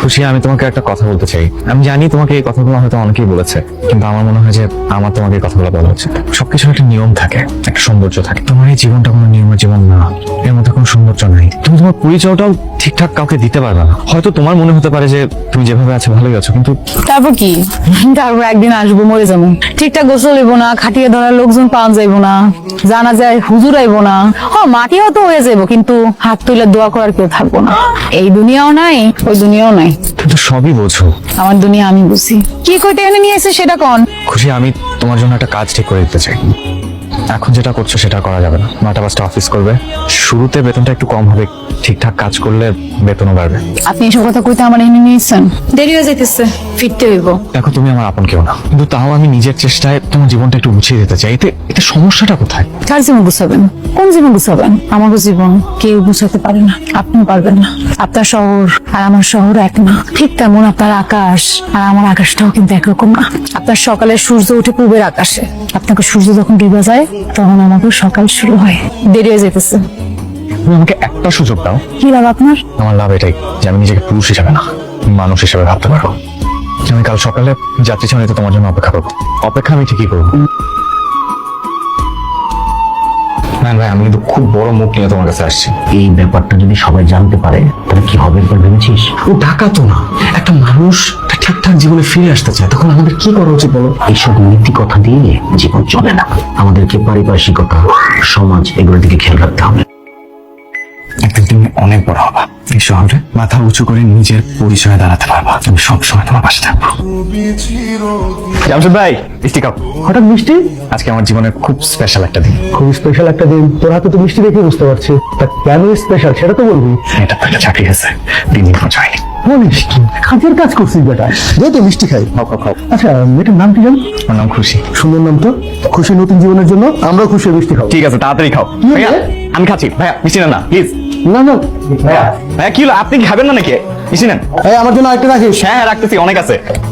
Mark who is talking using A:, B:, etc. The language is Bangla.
A: খুশি, আমি তোমাকে একটা কথা বলতে চাই। আমি জানি তোমাকে এই কথাগুলো হয়তো অনেকেই বলেছে, কিন্তু আমার মনে হয় যে আমার তোমাকে এই কথাগুলো বলা উচিত। সবকিছুর একটা নিয়ম থাকে, একটা সৌন্দর্য থাকে। তোমার এই জীবনটা কোনো নিয়মের জীবন না, এর মধ্যে কোনো সৌন্দর্য নাই। তুমি তোমার পরিচয়টাও ঠিকঠাক কাউকে দিতে পারবে না। হয়তো তোমার মনে হতে পারে যে তুমি যেভাবে আছো ভালোই আছো, কিন্তু
B: তারপর কি? তারপর একদিন আসবো, মরে যাবো। ঠিকঠাক গোসল হইব না, খাটিয়ে ধরার লোকজন পাওয়া যাইব না, জানা যায় হুজুর আইব না। মাটিও তো হয়ে যাবো, কিন্তু হাত তুলে দোয়া করার কেউ থাকবো না। এই দুনিয়াও নাই, ওই দুনিয়াও নাই।
A: কিন্তু সবই বোঝো।
B: আমার দুনিয়া আমি বুঝি। কি কইতে এনে নিয়ে এসে সেটা কোন?
A: খুশি, আমি তোমার জন্য একটা কাজ ঠিক করে দিতে চাই। এখন যেটা করছো সেটা করা যাবে না। 9টা 5টা অফিস করবে, শুরুতে বেতনটা একটু কম হবে, ঠিকঠাক কাজ করলে বেতনও বাড়বে।
B: আপনি এসব কথা কইতে আমার এনে নিয়েছেন? দেরি হয়ে যাইতেছে, ফিরতে হইব।
A: দেখো, তুমি আমার আপন কেউ না, কিন্তু তাও আমি নিজের চেষ্টায় তোমার জীবনটা একটু গুছিয়ে দিতে চাই। এতে এতে সমস্যাটা কোথায়?
B: কার জীবন গুছাবেন? কোন জীবন গুছাবেন? আমার জীবন কেউ গুছাতে পারে না, আপনিও পারবেন না। আপনার শহর আর আমার শহর এক না, ঠিক তেমন আপনার আকাশ আর আমার আকাশটাও কিন্তু একরকম না। আপনার সকালে সূর্য উঠে পূবের আকাশে, আপনাকে সূর্য যখন ডুবে যায় তখন আমাকে সকাল শুরু হয়। দেরি হয়ে যেতেছে।
A: তুমি আমাকে একটা সুযোগ দাও।
B: কি লাভ আপনার?
A: আমার লাভ এটাই যে আমি নিজেকে পুরুষ হিসাবে না, মানুষ হিসাবে ভাবতে পারবো। আমি কাল সকালে যাত্রী ছাউনিতে তোমার জন্য অপেক্ষা করবো। অপেক্ষা আমি ঠিকই করবো। না ভাই, আমি কিন্তু খুব বড় মুখ নিয়ে তোমার কাছে আসছি।
C: এই ব্যাপারটা যদি সবাই জানতে পারে তাহলে কি হবে একবার ভেবেছিস?
A: ও টাকা তো না, একটা মানুষ ঠিকঠাক জীবনে ফিরে আসতে চায়, তখন আমাদের কি করা উচিত বলো?
C: এইসব নীতি কথা দিয়ে জীবন চলে না। আমাদেরকে পারিপার্শ্বিকতা, সমাজ এগুলোর দিকে খেয়াল রাখতে হবে।
A: একদিন তুমি অনেক বড় হবা, এই শহরে মাথা উঁচু করে নিজের পরিচয়ে দাঁড়াতে পারবা। আমি সবসময় তোমার পাশে থাকবো। জামশেদ ভাই, মিষ্টি খাও।
D: হঠাৎ মিষ্টি?
A: আজকে আমার জীবনের খুব স্পেশাল একটা দিন।
D: খুব স্পেশাল একটা দিন। তোর হাতে তো মিষ্টি দেখে বুঝতে পারছি, তা কেন স্পেশাল সেটা তো বলবি।
A: এটা তো একটা চাকরি আছে, 3 দিন খরচ হয়নি।
D: বলিস কি? কাজের কাজ করছিস বেটা, দে তো মিষ্টি খাই।
A: খাও খাও খাও।
D: আচ্ছা, মেয়েটার নাম কি জান?
A: আমার নাম খুশি।
D: সুন্দর নাম তো। খুশি নতুন জীবনের জন্য আমরাও খুশি হয়ে মিষ্টি খাবো।
A: ঠিক আছে, তাড়াতাড়ি খাও।
D: হলো?
A: ভাইয়া, আমি খাচ্ছি। ভাইয়া মিষ্টি নেন না প্লিজ।
D: না না,
A: ভাইয়া ভাইয়া, কি হলো? আপনি কি খাবেন না নাকি? মিষ্টি নেন।
D: এই আমার জন্য আরেকটা রাখিস।
A: হ্যাঁ হ্যাঁ, রাখতেছি, অনেক আছে।